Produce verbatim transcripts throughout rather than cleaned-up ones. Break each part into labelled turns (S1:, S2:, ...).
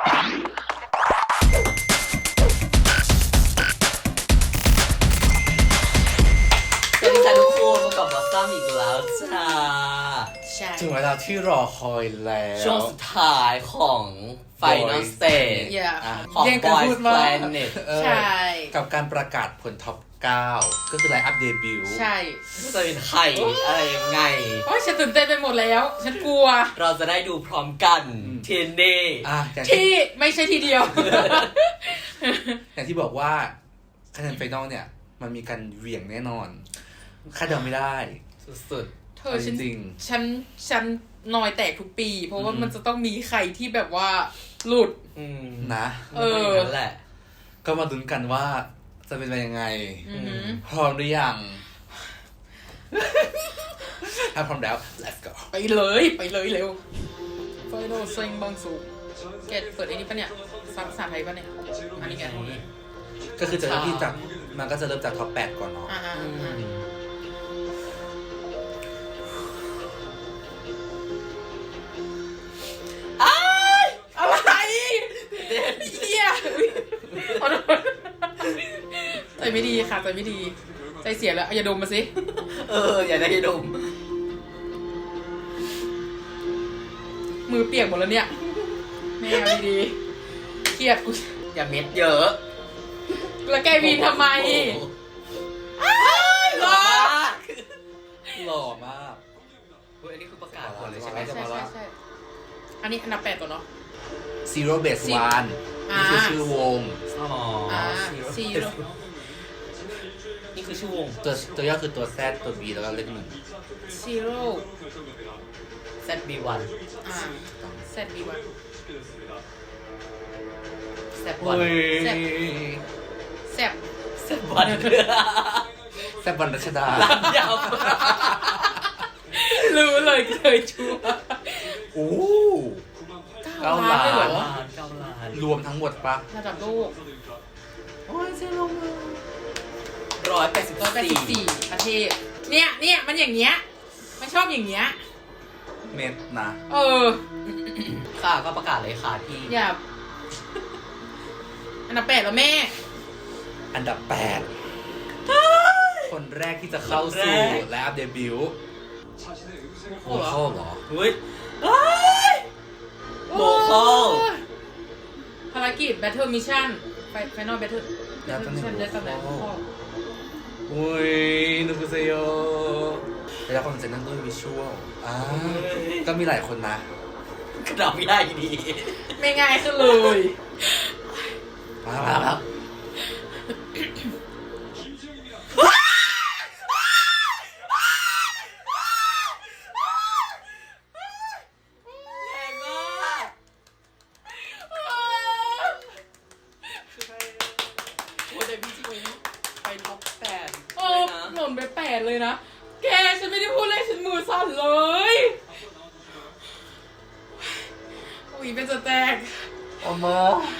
S1: สวัสดีค่ะทุกคนมากับบอสซัมอีกแล้วจ้า
S2: ถึงเวลาที่รอคอยแล้ว
S1: ช่วงสุดท้ายของ Final Stage ของ Boys Planet
S2: ใช่ กับการประกาศผลท็อปเก้าก็คือไลน์อัพเดบิวต์
S3: ใช่
S1: จะเป็นใครอะไรยังไง
S3: โอ้ยฉันตื่นเต้นไปหมดแล้วฉันกลัว
S1: เราจะได้ดูพร้อมกันเทนเดย์
S3: ที่ไม่ใช่ทีเดียว
S2: อย่างที่บอกว่าคะแนนไฟนอลเนี่ยมันมีการเหวี่ยงแน่นอนคาดเดาไม่ได้
S1: สุด
S3: ๆเธอจริงฉันฉันนอยแตกทุกปีเพราะว่ามันจะต้องมีใครที่แบบว่าหลุด
S2: นะ
S1: เออนั่นแหละ
S2: ก็มาลุ้นกันว่าจะเป็นไปยังไงพร้อมหรือยังถ้าพร้อมแล้ว let's go
S3: ไปเลยไปเลยเร็วไฟโนเซ็งบางสุกแกเปิดไอ้นี่ปะเนี่ยภาษาไทยปะเนี่ยอันนี้แก
S2: ก็คือจะเริ่มที่จากมันก็จะเริ่มจากท็อปแปดก่อนเนาะ
S3: อะไรเฮียใจไม่ดีค่ะใจไม่ดีใจเสียแล้วอย่าดมมาสิ
S1: เอออย่าได้ดม
S3: มือเปียกหมดแล้วเนี่ยแม่เอาดีๆเครียดกู
S1: อย่าเม็ดเยอะ
S3: แล้วแกวีนทำไม
S2: หล่อมากหล่อมาก
S1: อันนี้คือประกาศก่อนเลยใช่ไหม
S3: ใช่ใช่ใช่อันนี้อันดับแปดตัวเนาะ
S2: Zero Base One นี่คือชื่อวง
S1: อ๋อ
S3: Zero
S1: นี่คือชื่อวง
S2: ตัวตัวย่อคือตัว Z ตัว B แล้วก็เลขหนึ่ง
S3: Zero
S1: Z B วัน
S3: อ่า Z B วัน
S1: Z วัน
S3: แซบ
S1: แซบวัน
S2: แซบวันรัชดา
S1: ยาว
S3: รู้เลยเคยชัวร์
S2: โอ้
S3: เก้าล้านเลยเหรอ
S1: เก้าล้าน
S2: รวมทั้งหมดปะ
S3: ระดับโลก
S1: โอ้ยเจ๊ลงมาร้อยแปดสิบ
S3: สี่ประเทศเนี่ยเนี่ยมันอย่างเงี้ยมันชอบอย่างเงี้ย
S2: เม็ดนะ
S3: เออ
S1: ค่ะก็ประกาศเลยค่ะพี่
S3: อย่าอันดับแปดแล้วแม่
S2: อันดับแปดคนแรกที่จะเข้าสู่ไลน์อัพเดบิวต์โมโคเหรอ
S1: เฮ้ยโมโค
S3: ภารกิจ Battle Mission Final Battle Mission ได้ตำแหน่งพ่อ
S2: โอ้ยนุกุเซโยแล้วคนจะนั่งด้วยวิชวลอ่าก็มีหลายคนนะ
S1: กระดับไม่ได้ดี
S3: ไม่ง่ายขึ้นเลย
S2: มาแล้วครับ
S3: หล่นไปแปดเลยนะแกฉันไม่ได้พูดเลยฉันมือสั่นเลย อุ้ยเป็นจะแตก
S2: โอ้มา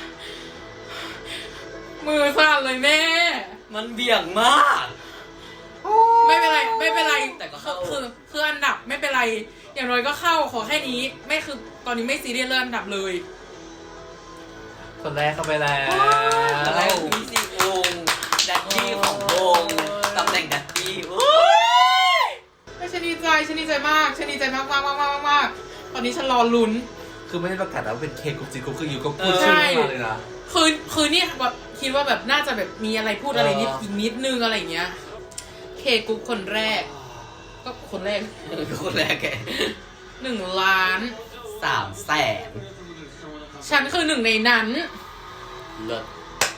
S3: มือสั่นเลยแม่
S1: มันเบี่ยงมาก
S3: ไม่เป็นไรไม่เป็นไรแต่ก็คือคืออันดับไม่เป็นไรอย่างน้อยก็เข้าขอแค่นี้ไม่คือตอนนี้ไม่ซีเรียสเรื่องอันดับเลย
S2: คนแรกเข้าไปแล้ว
S1: อะไรมีสี่วงแดดดี้ของวงตำแหน่งแดดดี้
S3: ไม่ฉันดีใจฉันดีใจมากฉันดีใจมากมากมากมากมากตอนนี้ฉันรอลุ้น
S2: คือไม่ได้ประกาศแล้วเป็นเคกุจิกุคืออยู่ก็พูดชื่อมาเลยนะ
S3: คือคือนี่แบบคิดว่าแบบน่าจะแบบมีอะไรพูดอะไรนิดอีกนิดนึงอะไรอย่างเงี้ยเคกุคนแรกก็คนแรก
S1: คนแรกแก
S3: หนึ่งล้าน
S1: สามแสน
S3: ฉันคือหนึ่งในนั้น
S1: เลิศ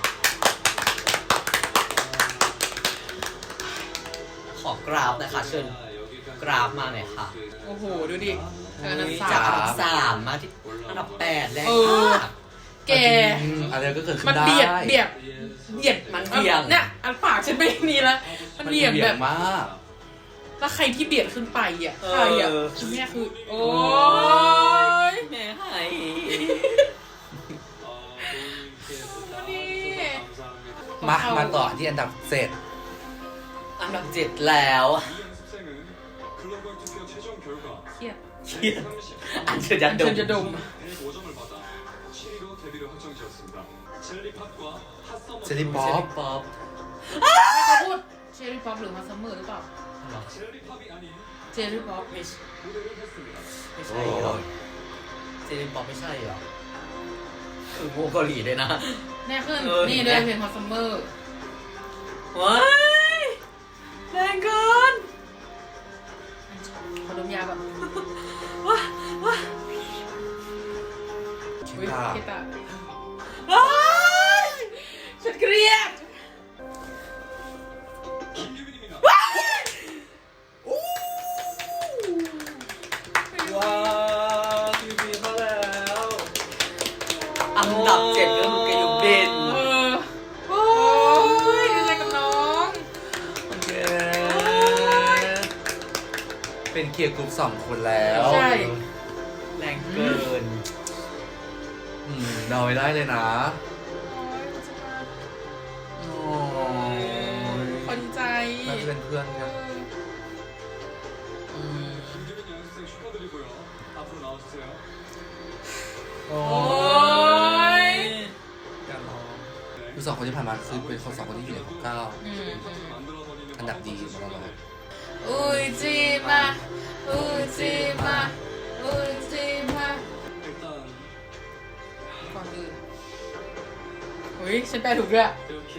S1: ขอกราฟนะคะเชิญกราฟมาหน่อยค่ะ
S3: โอ้โหดูดิอันดับ
S1: สามสามมาที่อันดับแปดแล้ว
S3: แก
S2: อะไรก็เกิดขึ้น
S3: ได้มันเบียดเบียดเบียด
S1: มันเบียด
S3: เนี่ยอันปากฉันไม่นี่แล้วมันเบียดแบบ
S2: มาก
S3: แล้วใครที่เบียดขึ้นไปอ่ะใครอ่ะแม่คือโอ้ย
S1: แม่ให้
S2: มามาต่อที่อันดับเจ็ด
S1: อันดับเจ็ดแล้ว
S3: เครียด
S1: เครียดอันเชิญจะดม
S3: จะดม
S2: เจลลี่ป๊อป
S1: ป๊อป
S3: เขาพูดเชอรี่ป๊อปหรือมาซัมเมอร์หรือเปล่าเจลลี่ป๊อป
S1: ไม่ใช่ไม่ใช่หรอเจลินป๊อปไม่ใช่หรอคือวงเกาหลีด้วยนะ
S3: แน่ขึ้น
S1: เออ
S3: นี่เลยเพลงมาซัมเมอร์
S1: ว้ายแรงเกิน
S3: ขอดมยาแบบ
S1: ว้าว้า
S2: คิ
S3: อุ้ย
S2: ตา
S3: คิดอะ
S1: ว้ายฉันเครียด
S2: ว้าวทีวีมาแล้ว
S1: อันดับเจ็ดก็คือเกยูบิน
S3: เออโอ้ยดีใจกับน้อง
S2: โอเคเป็นเกียร์กรุ๊ปสองคนแล้ว
S3: ใช่
S1: แรงเกิน
S2: อืมเดาไม่ได้เลยนะ
S3: โอ้
S2: โอ้ย
S3: ยคนใจ
S2: น่าจะเป็นเพื่อนกัน
S1: อืม
S2: โอ้
S3: โอ้ย
S2: กันรอคือสองคนที่ผ่านมาคือเป็นคนสองคนที่อยู่ในท็อปเก้า
S3: อืม
S2: อันดับดีมาตลอด
S3: อุ้ยจีมาอุ้ยจีมาอุ้ยจีมาก่อนอื่นอุ้ยฉันแปลถูกด้วย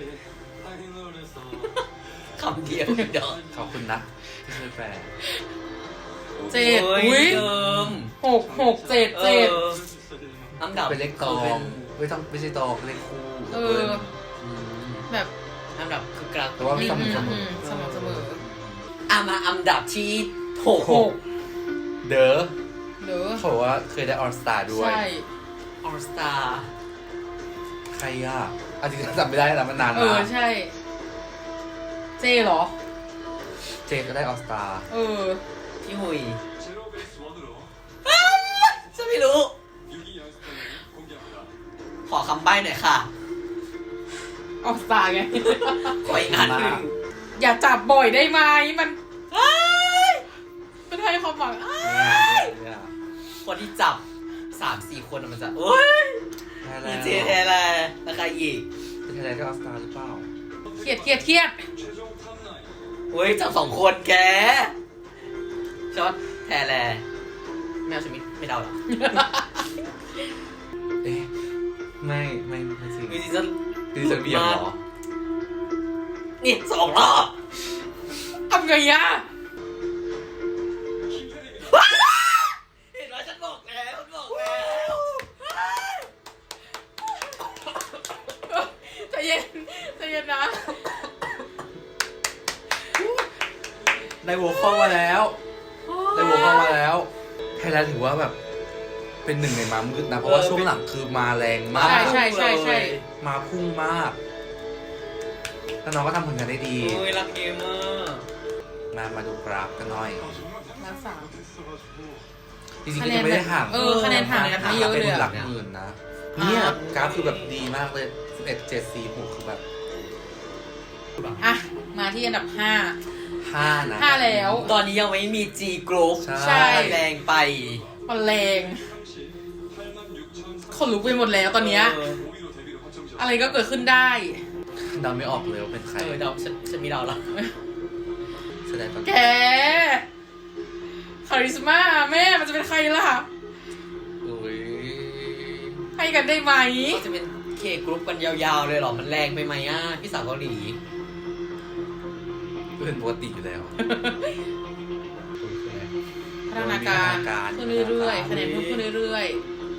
S1: คำเดียวเดี๋ยว
S2: ขอบคุณนะที่ช่วยแปล
S3: เจ็ด
S1: โ
S3: อุ้ย
S1: เดิม
S3: หกหกเจ็ดเจ็ด
S1: อออันดับ
S2: เป็นเลขตอ
S1: คื
S2: งไม่ต้องไม่ใช่ตองเลขคู่
S3: เออ
S2: ม
S3: แบบ
S1: อันดับคือกลาง
S2: แต่ว่า สม่ำเสมอ
S3: สม่ำเสมอ
S1: อ่ะมาอันดับที่หก
S3: หก
S2: เด้อ
S3: เด้อ
S2: เขาบอกว่าเคยได้ออ l สตาร์ด้วย
S3: ใช่
S1: ออสตาร์
S2: ใครอ่ะอาจจะจำไม่ได้แล้วมันนาน
S3: เออ
S2: นะ
S3: ใช่ เจเหรอ
S2: เจก็ได้ออ l สตาร์
S3: เออ
S1: พี่หุยฉันไม่รู้ ขอคำใบ้หน่อยค่ะ
S3: ออกสตาร์ไง
S1: ขออีกอันหนึ่ง
S3: อย่าจับบ่อยได้ไหมมันเอ้ยมันให้ความหวังอ้าย
S2: เนี่ย
S1: คนที่จับสามสี่คนอะมันจะโอ้ย
S2: แล้
S1: มี
S2: ว
S1: เจแทนแล้วแล้วใครอีก
S2: เป็นใครได้ออ l สตาร์หรือเปล่า
S3: เครียดเครียดเครียด
S1: เฮ้ยจับสองคนแกช็อตแทนแลไม่เอาชมิดไม่เดาหรอก
S2: เอ๊ะไม่ไม่ไม่จริง
S1: มีซีซั่น
S2: คือจะเบียงเหรอ
S1: นี่สองรอบ
S3: ทำไงอะ
S1: เห็นไหมฉันบอกแล้วฉันบอกแล้ว
S3: ใจเย็นใจเย็นนะ
S2: ได้โวเข้ามาแล้วได้โวเข้ามาแล้วไทยแลนด์ถือว่าแบบ เป็นหนึ่งในมามืดนะ เพราะว่าช่วงหลังคือมาแรงมาก
S3: ใช่ใช่ใช่ใช่
S2: มาพุ่งมากแล้วน้องก็ทำผลงานได้ดี
S1: โอ้ยรักเกมมาก
S2: มามาดูกราฟกันหน่อย
S3: ล้านสาม
S2: จริงๆก็ยังไม่ได้ห่าง
S3: เออคะแนนห่างกันไม่เยอะเลยอะ
S2: เป็นหลักหมื่นนะเนี่ยกราฟคือแบบดีมากเลยสิบเอ็ด เจ็ด สี่ หกคือแบบ
S3: อ่ะ มาที่อันดับห้า
S2: ห้านะ
S3: ห้าแล้ว
S1: ตอนนี้ยังไม่มี G Group
S2: ใช่
S1: แรงไป
S3: มันแรงคนลุกไปหมดแล้วตอนเนี้ย
S1: เออ
S3: อะไรก็เกิดขึ้นได้
S2: เดาไม่ออกเลยว่าเป็นใคร
S1: เออเดาฉันฉันมีเดาแล้ว
S2: แสดงตอน
S3: แก คาริสมาแม่มันจะเป็นใครล่ะ
S2: อุ้ย
S3: ให้กันได้ไหม
S1: ก็จะเป็น K Group กันยาวๆเลยเหรอ มันแรงไปไหมอ่ะ พี่สาวเกาหลี
S2: เป็นปกติอยู่แล้ว
S3: พัฒนาการ
S2: พัฒนาการ
S3: ขึ้นเรื่อยๆคะแนนเพิ่มขึ้นเรื่อย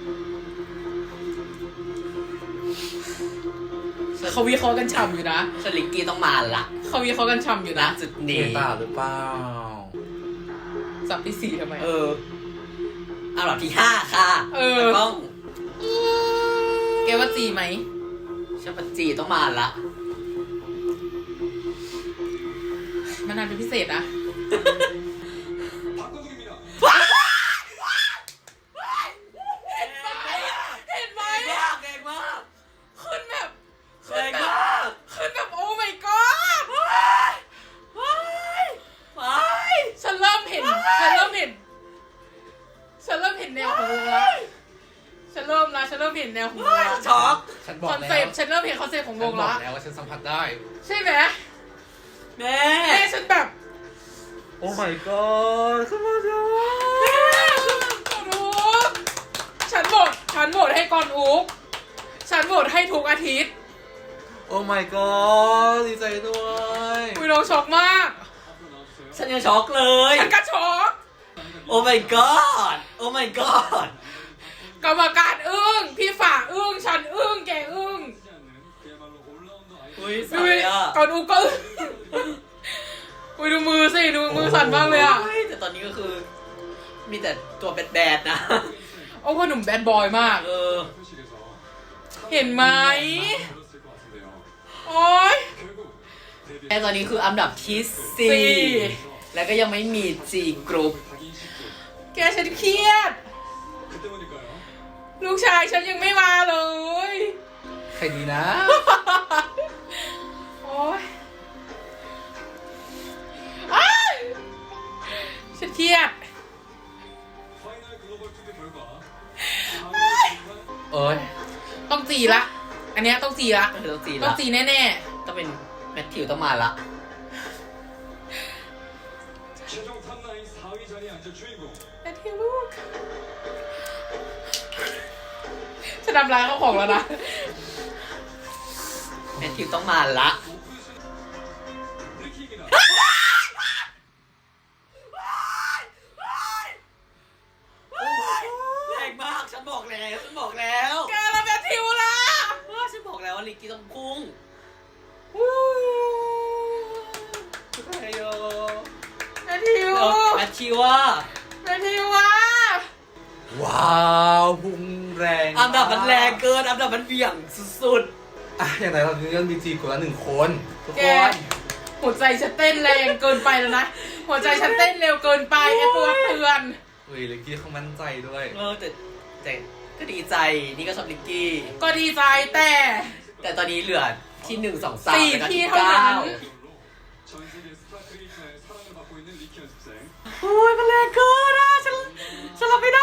S3: ๆเขาวิเคราะห์กันฉ่ำอยู่นะ
S1: สลิกกี้ต้องมาละ
S3: เขาวิเคราะห์กันฉ่ำอยู่
S1: นะ
S3: นะ
S1: จุด
S2: เก
S1: นี้
S2: ตาหรือเปล่า
S3: สับที่สี่ทำไม
S1: เอออันดับที่ห้าค่ะ
S3: เออ
S1: ต้อง
S3: แกว่าจีไหม
S1: ชาปจีต้องมาละ
S3: มันนานเป็นพิเศษนะ เห็นไหม
S1: แรงมากแรงมาก
S3: ขึ้นแบบ
S1: แรงมาก
S3: ขึ้นแบบโอ้ my god ฉันเริ่มเห็น ฉันเริ่มเห็น ฉันเริ่มเห็นแนวของวงละฉันเริ่มละฉันเริ่มเห็นแนวของวงละ
S1: ช็อก
S2: ฉันบอ
S3: ค
S2: ก
S3: อน
S2: แล้ว
S3: เซปต์ฉันเริ่มเห็นคอนเซปต์ของว
S2: ฉัน
S3: ง
S2: บอก
S3: ละ
S2: แล้วว่าฉันสัมผัสได้
S3: ใช่ไหม
S1: แม่
S3: แม่ฉันแบบ
S2: โอ้ my god ขึ้นมาจ้า
S3: ก่อนอุกฉันโหวตฉันโหวตให้ก่อนอุกฉันโหวตให้ทุกอาทิตย์
S2: โอ้ my god ดีใจด้วย
S3: คุยเราช็อกมาก
S1: ฉันยังช็อกเลย
S3: ฉันก็ช็อก
S1: โอ้ my god โอ้ my god
S3: กรรมการอึ้งพี่ฝ่าอึ้งฉันอึ้งแกอึ้ง
S1: อุ้ยส
S3: ดู
S1: วย
S3: ดิ
S1: อ่ะ
S3: ก่อนอุกก็อึ้งอุ้ยดูมือสิดูมือสั่นมากเลยอ่ะ
S1: โแต่ตอนนี้ก็คือ มีแต่ตัวแบดๆนะ
S3: โอ้พ่อหนุ่มแบดบอยมาก
S1: เออ
S3: เห็นไหมโอ๊ย
S1: แต่ตอนนี้คืออันดับที่
S3: สี่
S1: สี่แล้วก็ยังไม่มี G group
S3: แกฉันเครียด ลูกชายฉันยังไม่มาเลย
S2: ใครดีนะ
S3: โอ๊ยอ้ายฉันเครียด
S2: เอ้ย
S3: ต้องจีละ อันเนี้ยต้องจีละ
S1: ก็คือต้อง G
S3: ต้อ
S1: ละ
S3: งจีแน่
S1: ต้องเป็นแมทธิวต้องมาละ
S3: ๆแต่ที่ลูกฉันทำลายเขาของแล้วนะ
S1: แมทธิวต้องมาละ แรงมาก ฉันบอกแล้ว ฉันบอกแล้ว
S3: แกแล้วแมทธิวล่ะ
S1: ว่าฉันบอกแล้วว่าลิกกี้ต้องพุ่ง
S3: วู้
S1: ไอโย
S3: แมทธิว
S1: แมทธิวว่า
S3: แมทธิวว่ะ
S2: ว้าวพุ่งแรง
S1: อันดับมันแรงเกิน อันดับมันเบี่ยงสุด
S2: อ่ะอย่างไรเราเรื่องมีจีคนละหนึ่งคน
S1: ๆ ทุก
S3: แก
S1: คน
S3: หัวใจฉันเต้นแรงเกินไปแล้วนะ หัวใจฉันเต้นเร็วเกินไปไอ้ตัวเตือน
S2: เฮ้ยเลกกี้เขามั่นใจด้วย
S1: เออแต่แต่ก็ดีใจ นี่ก็ชอบลิกกี้
S3: ก็ดีใจแต่
S1: แต่ตอนนี้เหลือที่หนึ่งสองสาม
S3: สี่
S1: แล้วก็
S3: ที่
S1: ที่
S3: เท่านั้น
S1: เก้าโอ้ยมันแรงเกินอ่ะฉันฉันรับไม่ได้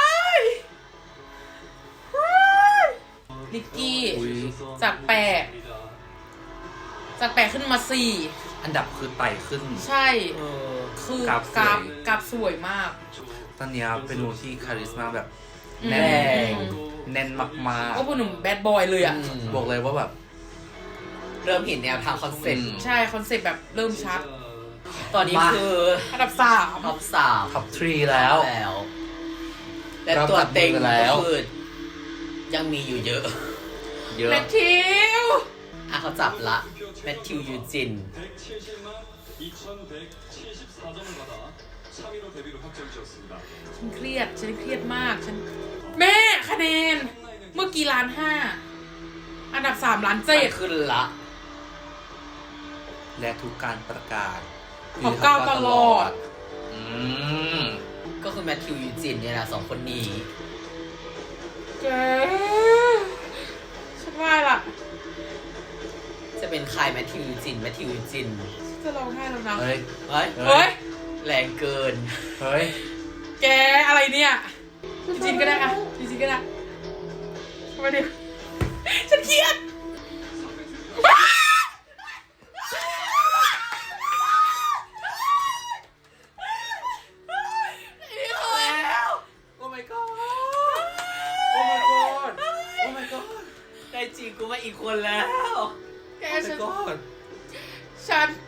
S3: ลิกกี้
S2: อุ๊ย
S3: จากแปดจากแปดขึ้นมาสี่
S2: อันดับคือไต่ขึ้น
S3: ใช่
S1: เออ
S3: คือก
S2: ราฟสวย
S3: กราฟกราฟสวยมาก
S2: ตอนเนี้ยเป็นวงที่คาริสมาแบบ
S3: อืม
S2: แน่น
S1: แรง
S2: แน่นมาก
S3: ก็ผู้หนุ่มแบดบอยเลยอ่ะ
S1: อืม
S2: ๆ บอกเลยว่าแบบ
S1: เริ่มเห็นแนวทางคอนเซ็ปต์
S2: อืม
S3: ใช่ คอนเซ็ปต์แบบเริ่มชัด
S1: ตอนนี้คือ
S3: อันดับสาม
S1: ท็อปสาม
S2: ท็อปทรีแล้ว
S1: แล้วและ
S2: เรา
S1: ตัวเต็ง
S2: จับมือแล้ว
S1: ก็คือยังมีอยู่เยอะ
S2: เยอะ
S3: แมทธิว
S1: อ่ะเขาจับละแมทธิวยูจิน
S3: ฉันเครียด ฉันเครียดมาก ฉัน แม่คะแนน เมื่อกี้ล้านห้า อันดับสามล้านเจ็ด
S1: ขึ้นละ
S2: และทุกการประกาศ
S3: ของก้าวตลอด
S2: อืม
S1: ก็คือแมทธิวยูจินเนี่ยนะสองคนนี้
S3: แกฉันว่าล่ะ
S1: จะเป็นใครแมทธิวยูจินแมทธิวยูจิน
S3: จะร้องไห้แล้วนะ
S2: เฮ้ย
S1: เฮ้ย
S2: เฮ้
S3: เฮ้
S2: ย
S3: ย
S1: แรงเกิน
S2: เฮ้ย
S3: แกอะไรเนี่ยจินก็ได้อะจินก็ได้มาดิฉันเครียด
S1: แล้ว
S2: โอ้ my god โอ้ my god โอ้ my god
S1: ได้จริงกูมาอีกคนแล้ว
S3: แก
S2: โอ้
S3: ฉั
S2: my
S3: น
S2: god
S3: ฉัน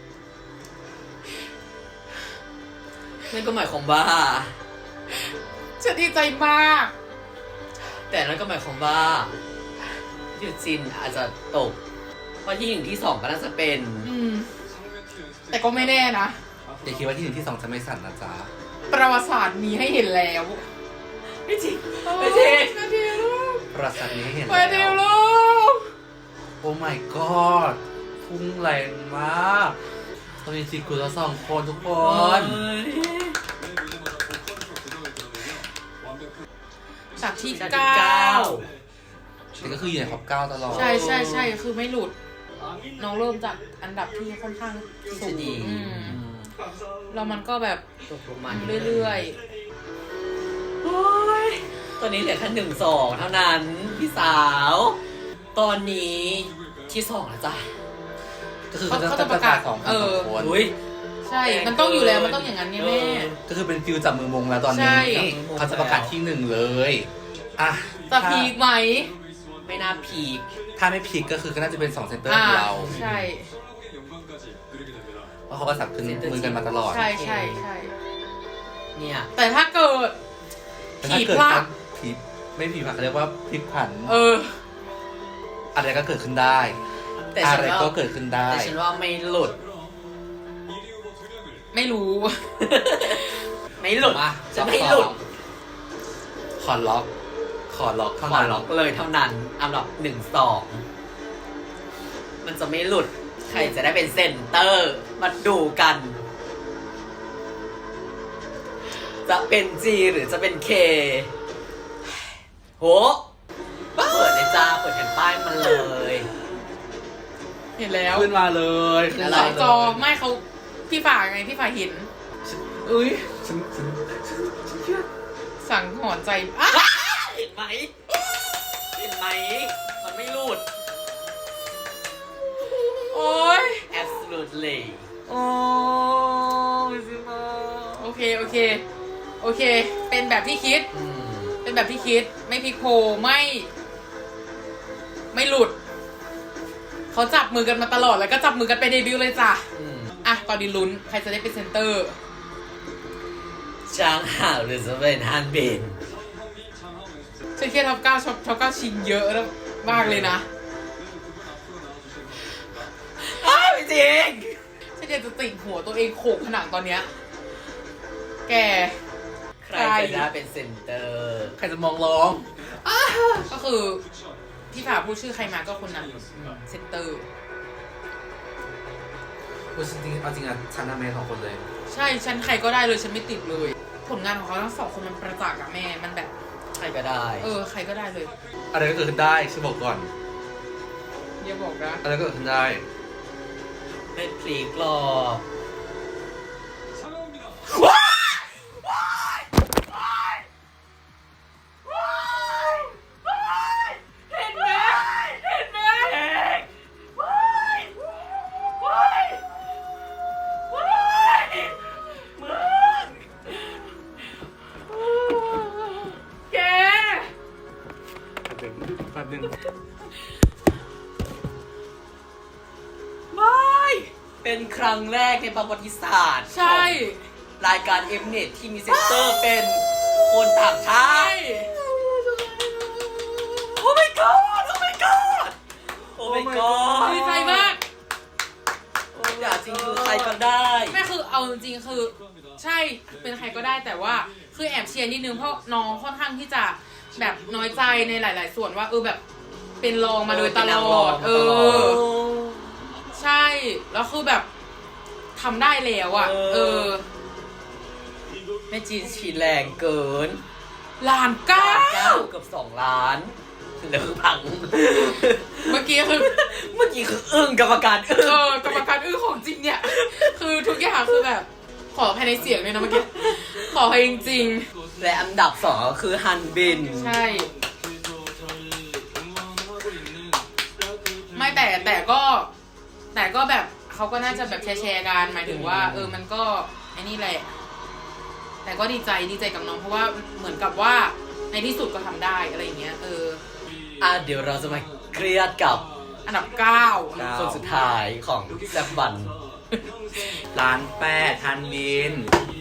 S1: นั่นก็หมายความว่า
S3: ฉันดีใจมาก
S1: แต่นั่นก็หมายความว่ายูจินอาจจะตก เพราะที่หนึ่งที่สองก็น่าจะเป็น
S3: อืม แต่ก็ไม่แน่นะ
S2: อย่าคิดว่าที่หนึ่งที่สองจะไม่สั่นนะจ๊ะ
S3: ประวัติศาสตร์มีให้เห็นแล้ว
S1: ไม่จริง ไม่จริง
S3: มาเดียวลูก
S2: ประสัทนี้ให้เห็น
S3: มาเดียว
S2: แล้ว
S3: ลูก
S2: โอ้ my god พุ่งแรงมากตอนนี้จีกูแล้วสองคนทุกคน
S3: จากที่
S1: จากที่
S3: เก้า
S1: เก้า
S2: แต่ก็คืออยู่ในท็อปเก้าตลอด
S3: ใช่ใช่ใช่คือไม่หลุด น้องเริ่มจากอันดับที่ค่อนข้างสูง
S1: ดี
S3: อืม
S2: อืม
S3: แล้วมันก็แบบ
S1: ตกลงมา
S3: เรื่อย
S1: โอ้ยตอนนี้เหลือแค่หนึ่งสองเท่านั้นพี่สาว ตอนนี้ที่สองแล้วจ้ะ
S2: ก็คือ
S3: เขา
S2: จะ
S3: เขา
S2: จะ
S3: จะ
S2: ป
S3: ประ ระ
S2: กาก
S3: า
S2: ศ
S3: ศ
S2: สองพัน
S3: เอ
S2: ส
S3: อ
S2: องคน
S1: อุ้ย
S3: ใช่ มันต้องอยู่แล้วมันต้องอย่างนั้นไงแม่
S2: ก็คือเป็นฟิลจับมือมงแล้วตอน
S3: ใช่
S2: นี้เขาจะประกาศที่หนึ่งเลยอ่ะ
S3: จะพีคไหม
S1: ไม่น่าพีค
S2: ถ้าไม่พีคก็คือก็น่าจะเป็นสองเซนเตอร์
S3: อ่า
S2: ของเรา
S3: ใช่
S2: เพราะเขาก็สับขึ้นมือกันมาตลอด
S3: ใช่ใช่ใช่
S1: เนี่ย
S3: แต่ถ้าเกิด
S2: แต่ถ้า
S3: ผี
S2: เกิด
S3: พลา
S2: กา
S3: ด
S2: รผีไม่ผีผักเขาเรียกว่าพลิกผัน
S3: เออ
S2: อะไรก็เกิดขึ้นได้
S1: แต่
S2: อะ
S1: ฉัน
S2: ไร
S1: ว่า
S2: ก็เกิดขึ้นได้
S1: แต่ฉันว่าไม่หลุด
S3: ไม่รู้
S1: ไม่หลุด
S2: มา
S1: จะไม่หลุด
S2: ขอล็อก ขอล็อก
S1: ข
S2: เท่า
S1: อ
S2: นั้น
S1: ล็อกเลยเท่านั้นอันดับหนึ่งสองมันจะไม่หลุด ใครจะได้เป็นเซนเตอร์ มาดูกัน จะเป็น G หรือจะเป็น K โหเปิดเลยจ้า เปิดแผ่นป้ายมันเลย
S3: เห็นแล้ว
S2: ขึ้นมาเลยขึ้น
S1: อะไร
S3: ส
S2: มา
S3: อง
S2: เลย
S3: จอไม่เขาพี่ฝ่ายไงพี่ฝ่ายเห็น
S1: อุ้ย
S2: ฉันฉัน
S3: สั่งหอนใจอ่ะ
S1: เห็นไหม เห็นไหม มันไม่หลุด
S3: โอ้ย
S1: absolutely
S3: โอ้ยซิมาโอเคโอเค โอเค เป็นแบบที่คิด
S1: อืม
S3: เป็นแบบที่คิด ไม่พลิกโผไม่ ไม่หลุด เขาจับมือกันมาตลอดแล้วก็จับมือกันไปเดบิวต์เลยจ้ะ
S1: อืม
S3: อ่ะตอนนี้ลุ้น ใครจะได้เป็นเซนเตอร์
S1: ช้างห่าวหรือจะเป็นฮันเบน
S3: ฉันเครียดท็อปเก้าช็อปท็อปเก้าชิงเยอะแล้วมากเลยนะ
S1: อ้าวจริง
S3: ฉันอยากจะติ่งหัวตัวเองโขกผนังตอนเนี้ย แก
S1: ใครจะได้เป็นเซนเตอร์
S2: ใครจะมองร้อง
S3: ก็คือที่ฝ่าพูดชื่อใครมาก็คนนั้นเซนเตอร์
S2: กูจริงๆเอาจริงอ่ะฉันน่ะแม่สองคนเลย
S3: ใช่ ฉันใครก็ได้เลย ฉันไม่ติดเลย ผลงานของเขาทั้งสองคนมันประจักษ์อะแม่ มันแบบ
S1: ใครก็ได้
S3: เออ ใครก็ได้เลย
S2: อะไรก็เกิดขึ้นได้ฉันบอกก่อน
S3: อย่าบอกนะ
S2: อะไรก็เกิดขึ้นได้
S1: ไม่พลีกหรอก
S3: เห็นไหมเห็นไหมแก
S2: แป๊บนึง
S1: ไม่ เป็นครั้งแรกในประวัติศาสตร์
S3: ใช่
S1: ของรายการ Mnet ที่มีเซนเตอร์เป็นคนต่างชา
S3: ใช่
S1: ติ โอ้ my god โอ้ my god โอ้ my god
S3: ดีใจมาก
S1: อยากจริงคือใครก็ได้
S3: แม่คือเอาจริงๆคือ ใช่เป็นใครก็ได้แต่ว่าคือแอบเชียร์นิดนึงเพราะน้องค่อนข้างที่จะแบบน้อยใจในหลาย ๆ ส่วนว่าเออแบบเป็นรองมาโดยตลอด เออ ใช่แล้วคือแบบทำได้แล้วอ่ะ เออ
S1: แม่จีนฉีดแรงเกิน
S3: ล้านเก้า
S1: เก้าเกือบสองล้านเหลือพัง
S3: เมื่อกี้คือ
S1: เมื่อกี้คืออึ้งกรรมการอึ้ง
S3: เออกรรมการอื้อของจริงเนี่ย คือทุกอย่างคือแบบ ขอภายในเสียงเลยนะเมื่อกี้ขอภายจริง
S1: และอันดับสองก็คือฮันบิน
S3: ๆใช่ ไม่แต่แต่ก็ แต่ก็แบบเขาก็น่าจะแบบแชร์ๆกันหมายถึงว่า เออมันก็ไอ้นี่แหละ แต่ก็ดีใจดีใจกับน้องเพราะว่าเหมือนกับว่าในที่สุดก็ทำได้อะไรอย่างเงี้ย เออ
S1: อ่ะเดี๋ยวเราจะมาเครียดกับ
S3: อันดับเก้า
S1: คนสุดท้ายของแซบบัน
S2: ล้านแปดทันบิน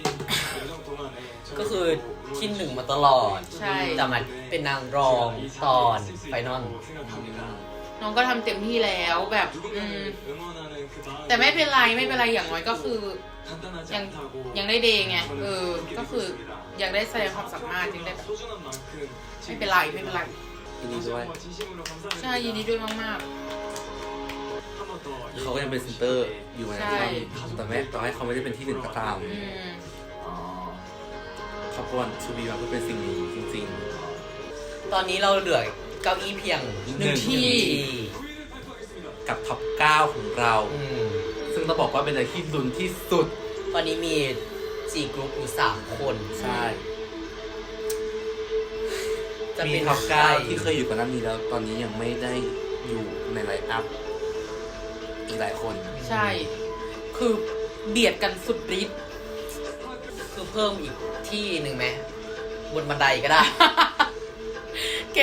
S1: ก็คือที่หนึ่งมาตลอด
S3: ใช่
S1: แต่มันเป็นนางรองตอนไฟนอล
S3: น้องก็ทำเต็มที่แล้วแบบอืมแต่ไม่เป็นไรไม่เป็นไรอย่างน้อยก็คือยังยังได้เดย์ไงเออก็คือยังได้แสดงความสามารถยังได้แบบไม่เป็นไรไม่เป็นไร
S2: ยินดีด้วย
S3: ใช่ยินดีด้วยมาก
S2: เขาก็ยังเป็นเซนเตอร์อยู่นะ
S3: ใช่
S2: แต่แม้ต่อให้เขาไม่ได้เป็นที่หนึ่งก็ตาม
S3: ๆอืม
S2: เขาควรชูบีมาเพื่อเป็นสิ่งนี้จริง
S1: ตอนนี้เราเหลือเก้าอี้เพียงหนึ่งที่
S2: ๆ กับท็อปเก้าของเรา
S1: อืม
S2: ซึ่งต้องบอกว่าเป็นอะไรที่ลุ้นที่สุด
S1: ตอนนี้มีจีกรุ๊ปอยู่สามคน
S2: ใช่
S1: กจะ
S2: มี
S1: เป็น
S2: ท็อปเก้า
S1: ใคร
S2: ที่เคยอยู่ก่อนหน้านี้แล้วตอนนี้ยังไม่ได้อยู่ในไลน์อัพอีกหลายคน
S3: ใช่ คือเบียดกันสุดฤทธิ์
S1: คือเพิ่มอีกที่หนึ่งไหมบนบันไดก็ได้
S3: แก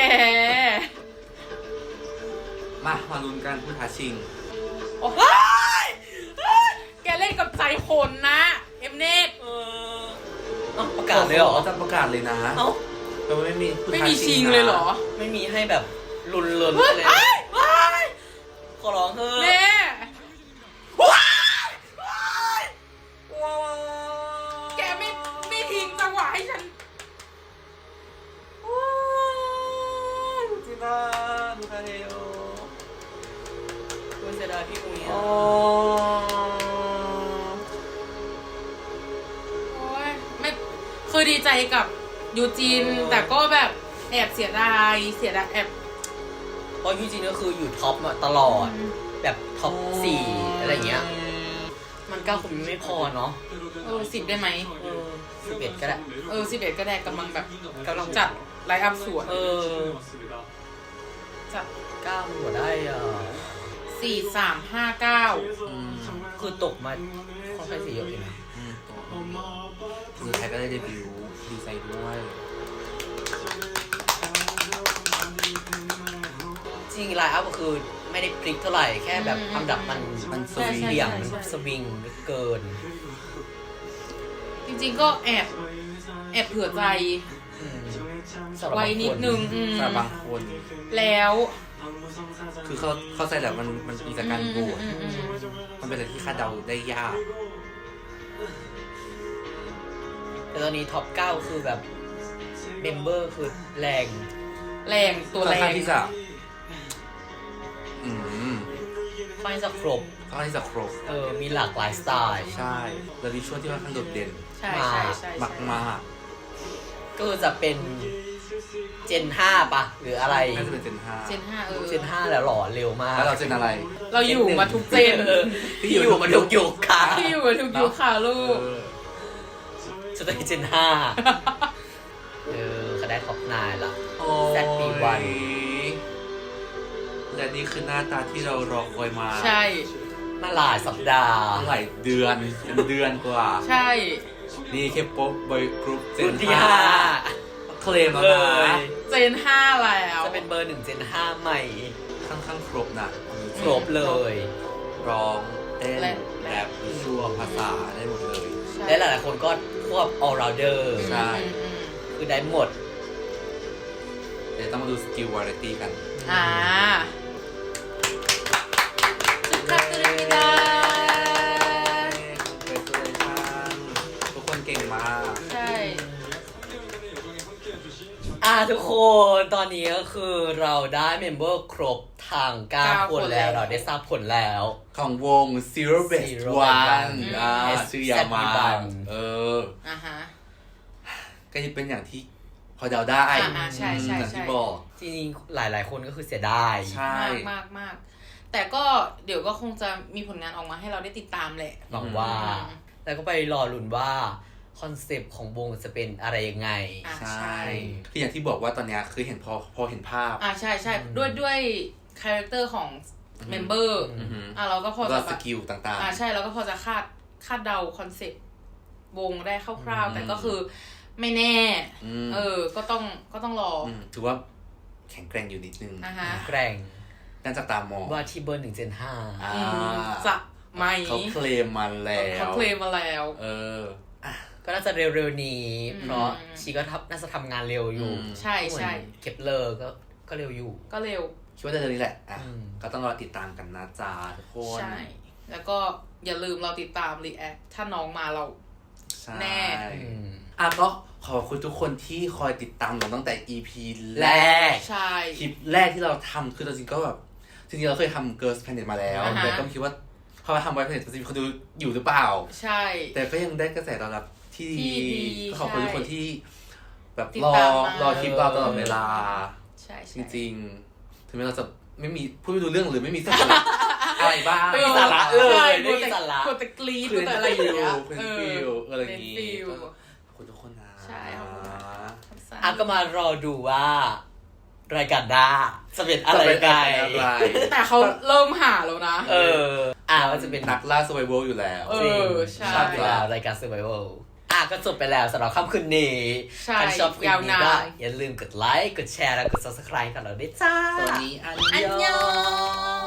S2: มามาลุ้นกันผู้ท้าชิง
S3: โอ้ยแกเล่นกับใจคนนะ เอ็มเนต
S1: เออเอ้าประกาศเลยเหรอ
S2: จะประกาศเลยนะ
S1: เอ้า
S2: แต่ว่าไม่มีผู้
S3: ไม่
S2: ท้า
S3: มี
S2: ชิ
S3: ชิ
S2: ง
S3: ง
S2: นะ
S3: เลยเหรอ
S1: ไม่มีให้แบบลุนลุน
S3: เฮ้ย
S1: เลย
S3: เอ้ยเอ้ย
S1: ขอร้องเถอะ
S3: เน่
S1: ว้ายว้ายว้าว
S3: แกไม่ไม่ทิ้งจังหวะให้ฉัน
S1: จิน่าดูคาเฮโอคุณเสียดายพี่อุ้ย
S2: อ๋
S1: อ่ะ
S2: อ
S3: โอ้ยไม่คือดีใจกับยูจิน แต่ก็แบบแอบเสียดายเสียดายแอบ
S1: เพราะยูจินก็คืออยู่ท็อปมาตลอด แบบท็อปสี่อะไรเงี้ย มันเก้าคนไม่พอเนาะ
S3: เออสิบได้ไหม
S1: เออสิบเอ็ดก็ได้
S3: เออสิบเอ็ดก็ได้กำลังแบบกำลังจัดไลฟ์อัพสวย
S1: เออ
S3: จัด
S1: เก้ามันหัวได้อ่ะ
S3: สี่สามห้าเก้า
S2: อืม
S1: คือตกมาค่อนข้างเสียเยอะเลยนะ
S2: อืมคือใครก็ได้เดบิวต์ดีใจด้วย
S1: จริงไลน์อัพก็คือไม่ได้พลิกเท่าไหร่ แค่แบบอันดับมัน
S2: มันส
S3: ใช่
S2: วี
S3: ใช่
S1: เบี่ยง
S3: ใช่
S1: มัน
S3: ใช่
S1: สวิงเกิน
S3: จริงๆก็แอบแอบเผื่อใจ
S1: อืมสำหรับ
S3: ไว้
S1: บางค
S3: นิดนึงอืม
S2: สำหรับบางคน
S3: แล้ว
S2: คือเขาเข้าใจแหละมันมันมีจากการโหวต
S3: อืมอืมอืม
S2: มันเป็นอะไรที่คาดเดาได้ยาก
S1: แต่ตอนนี้ท็อปเก้าคือแบบเมมเบอร์คือแรง
S3: แรงตัว
S2: ค่อน
S3: แร
S2: ข้าง งที่จะ อืม
S1: ค่อนข้างจะครบ
S2: ค่อนข้างที่จะครบ
S1: เออ มีหลากหลายสไตล์
S2: ใช่แล้ววิชวลที่ค่อนข้างโดดเด่น
S3: ใช่ใช่ใช่
S2: มากมาก
S1: ก็จะเป็นเจนห้าปะหรืออะไร
S2: ๆน่าจะเป็นเจนห้า
S3: เจนห้าเออ
S1: เจนห้าแล้วหล่อเร็วมาก
S2: แล้วเราเจนอะไร
S3: เราอยู่มาทุกเจน
S1: เออที่อยู่มาทุกยุคค่ะ
S3: ที่อยู่มาทุกยุคค่ะลูก
S2: เออ
S1: จะได้เจนห้าเออเขาได้ท็อปนายละ
S2: โอ้
S1: แซดปีวัน
S2: และนี่คือหน้าตาที่เรารอคอยมา
S3: ใช่
S1: มาหลายสัปดาห์
S2: หลายเดือนเป็นเดือนกว่า
S3: ใช่
S2: นี่แค่ป๊อปบอยกรุ๊ปเจ
S1: รุ่
S2: น
S1: นที่
S2: ห้า
S1: ห้า
S2: เคลมแล้ว
S1: เล
S2: นะ
S1: ย
S3: เจนห้าแล้ว
S1: จะเป็นเบอร์หนึ่งเจนห้าใหม่
S2: ค่อนข้างครบนะ
S1: ครบเลย
S2: ร้องเต้น
S3: และ
S2: แรปวิชวลภาษาได้หมดเลย
S3: ใช่
S1: และหลายๆคนก็ควบ all rounder
S2: ใช่
S3: อืมอืม
S1: คือได้หมด
S2: เดี๋ยวต้องมาดูสกิลวาไรตี้กัน
S3: อ่าจุดคัดตุลิมิดา
S2: ทุกคนเก่งมาก
S3: ใช่
S1: อ่าทุกคนตอนนี้ก็คือเราได้เมมเบอร์ครบทางเก้าคนแล้วเราได้ทราบผลแล้ว
S2: ของวง Zero Best
S1: Zero
S2: One
S1: Best
S2: อ่า
S1: อืม
S2: ชื่อยาวมา
S1: แซดบีบัง
S2: เออ
S3: อ่าฮะ
S2: ก็จะเป็นอย่างที่พอเดาได้
S3: อ่าอ่าใช่ใช่
S2: อย่าง
S3: ใช่
S2: ที่บอก
S1: จริงๆหลายๆคนก็คือเสียดาย
S2: ใช่
S3: มากมากมากแต่ก็เดี๋ยวก็คงจะมีผลงานออกมาให้เราได้ติดตามแหละ
S1: หวังว่า
S3: อืม
S1: แล้วก็ไปรอลุ้นว่า คอนเซปต์ของวงจะเป็นอะไรยังไง
S3: อ่า
S2: ใช่
S3: ใช่
S2: คืออย่างที่บอกว่าตอนเนี้ยคือเห็นพอพอเห็นภาพ
S3: อ่าใช่ใช่
S1: อืม
S3: ด้วยด้วยคาแรคเตอร์ของเมมเบอร์
S2: อือหือ
S3: อ่าเราก็พอ
S2: แล้ว
S3: จะ
S2: ก็
S3: แบ
S2: ส
S3: บ
S2: กิลต่าง
S3: อ่าใช่เราก็พอจะคาดคาดเดาคอนเซปต์วงได้คร่าว
S2: อืม
S3: ๆแต่ก็คือไม่แน่
S2: อืม
S3: เออ ก็ต้องก็ต้องรอ
S2: ๆอืมถือว่าแข็งแกร่งอยู่นิดนึง
S3: อ่าฮะ
S1: แกร่ง
S2: น่าจะตามมอง
S1: ว่าที่เบอร์หนึ่งเจนห้า
S2: อ่า
S3: อืมจะไหม
S2: เขาเคลมมาแล้ว
S3: เขาเคลมมาแล้ว
S2: เอออ่ะ
S1: ก็น่าจะเร็วๆนี้
S3: อืม
S1: เพราะชีก็ทำน่าจะทำงานเร็วอยู่
S2: อืม
S3: ใช่ใช่
S1: เหมือนเคปเลอร์ก็ก็เร็วอยู่
S3: ก็เร็ว
S2: คิดว่าจะเรื่องนี้แหละอ่ะ
S1: อืม
S2: ก็ต้องรอติดตามกันนะจ๊ะทุกคน
S3: ใช่ แล้วก็อย่าลืมเราติดตามรีแอคถ้าน้องมาเรา
S2: ใช่
S3: แน่
S1: อืม
S2: อ่ะก็ขอบคุณทุกคนที่คอยติดตามเราตั้งแต่ อี พี แร
S1: แร
S2: ก
S1: ก
S3: ใช่
S2: คลิปแรกที่เราทำคือจริงๆก็แบบจริงๆเราเคยทำ Girls Planet มาแล้ว
S3: อ่าฮะ
S2: แต่ก็ไม่คิดว่าพอมาทำ Boys Planet จริงๆเขาดูอยู่หรือเปล่า
S3: ใช่
S2: แต่ก็ยังได้กระแสตอบรับที่
S3: ที่
S2: ดี
S3: ดี
S2: ก็ขอบคุณ
S3: ใช่
S2: ทุกคนที่แบบ
S3: ติด
S2: รอ
S3: ตามมาร
S2: อคลิปเราตลอดเวลา
S3: ใช่
S2: จ
S3: ใช่
S2: ริงๆ ถึงแม้เราจะไม่มีพูดไม่รู้เรื่องหรือไม่มีสาระ อะไรบ้าง
S1: ไม่มีสาระเลย
S3: ใช่
S1: ไม่มีสาระ
S3: กดแต่กรี๊ด
S2: คื
S3: ก
S2: อ
S3: ดแต่อะไรอย่างเงี้ย
S2: เป็นฟิลอะไรอย่างงี้
S3: เป็นฟิล
S2: ขอบคุณทุกคนนะ
S3: ใช่ขอบคุณนะ ขอบคุณ
S2: อ่ะ
S1: อ่ะก็มารอดูว่า รายการด้าจะเป็นอะไร
S2: จะเป็น
S1: ไง
S2: อะไร
S3: แต่เขาเริ่มหาแล้วนะ
S1: เออ อ่ะมันจะเป็น
S2: นักล่า survival อยู่แล้ว
S3: เอ
S1: จริง
S3: อใช่
S1: ชอบอยู่แล้วรายการ Survival อ่ะก็จบไปแล้วสำหรับค่ำคืนนี้
S3: ใช่
S1: ใครชอบคลิป
S3: ยาว
S1: นี้
S3: นาน
S1: ก็อย่าลืมกดไลค์ กดแชร์ และกด Subscribe กันเราด้วยจ้า
S2: ตอนนี้อัน
S3: อัน
S2: ย
S3: ย
S2: อ
S3: อง